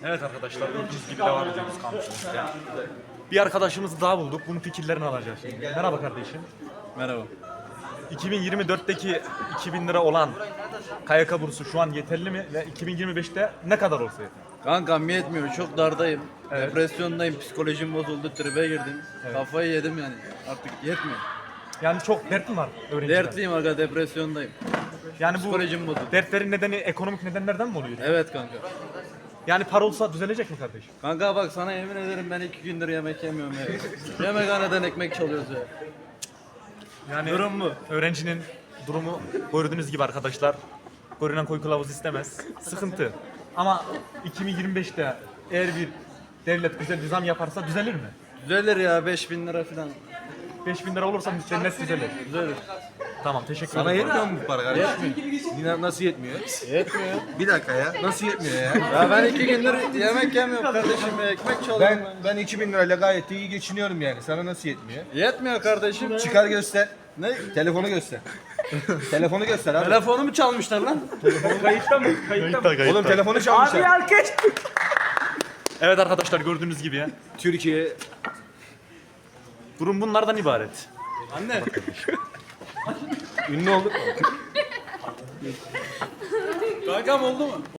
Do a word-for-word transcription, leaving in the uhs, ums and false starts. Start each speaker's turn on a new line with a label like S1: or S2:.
S1: Evet arkadaşlar, gördüğünüz gibi devam ediyoruz kampüsümüzde. Bir arkadaşımızı daha bulduk. Bunun fikirlerini alacağız şimdi. Merhaba kardeşim.
S2: Merhaba.
S1: iki bin yirmi dörtteki iki bin lira olan K Y K bursu şu an yeterli mi? Ve iki bin yirmi beşte ne kadar olsa yeter?
S2: Kankam yetmiyor. Çok dardayım.
S1: Evet.
S2: Depresyondayım. Psikolojim bozuldu. Tribe girdim.
S1: Evet.
S2: Kafayı yedim yani. Artık yetmiyor.
S1: Yani çok dert mi var öğrenciler?
S2: Dertliyim aga, depresyondayım.
S1: Yani bu
S2: Psikolojim bozuldu.
S1: dertlerin nedeni ekonomik nedenlerden mi oluyor?
S2: Evet kanka.
S1: Yani para olsa düzelecek mi kardeşim?
S2: Kanka bak, sana yemin ederim ben iki gündür yemek yemiyorum ya. Yemekhaneden ekmek çalıyoruz ya.
S1: Yani
S2: Durum bu.
S1: öğrencinin durumu gördüğünüz gibi arkadaşlar. Görünen koy kılavuz istemez. Sıkıntı. Ama iki bin yirmi beşte eğer bir devlet güzel bir zam yaparsa düzelir mi?
S2: Düzelir ya, beş bin lira falan.
S1: beş bin lira olursa cennet düzelir.
S2: Düzelir.
S1: Tamam, teşekkür
S3: Sana
S1: ederim.
S3: yetmiyor mu bu para kardeşim? Yine nasıl yetmiyor?
S2: Yetmiyor.
S3: Bir dakika ya. Nasıl yetmiyor ya?
S2: Ya ben iki gündür yemek yemiyorum kardeşim ya. Ekmek çalıyorum
S3: Ben
S2: ben.
S3: ben iki bin lirayla gayet iyi geçiniyorum yani. Sana nasıl yetmiyor?
S2: Yetmiyor kardeşim.
S3: Çıkar göster. Ne? Telefonu göster. Telefonu göster abi.
S2: Telefonumu çalmışlar lan.
S1: Kayıtta mı? Kayıtta mı?
S3: Oğlum telefonu çalmışlar.
S1: Evet arkadaşlar, gördüğünüz gibi ya.
S3: Türkiye
S1: Durum bunlardan ibaret.
S2: Anne.
S3: ünlü olduk mu?
S2: Kankam oldu mu?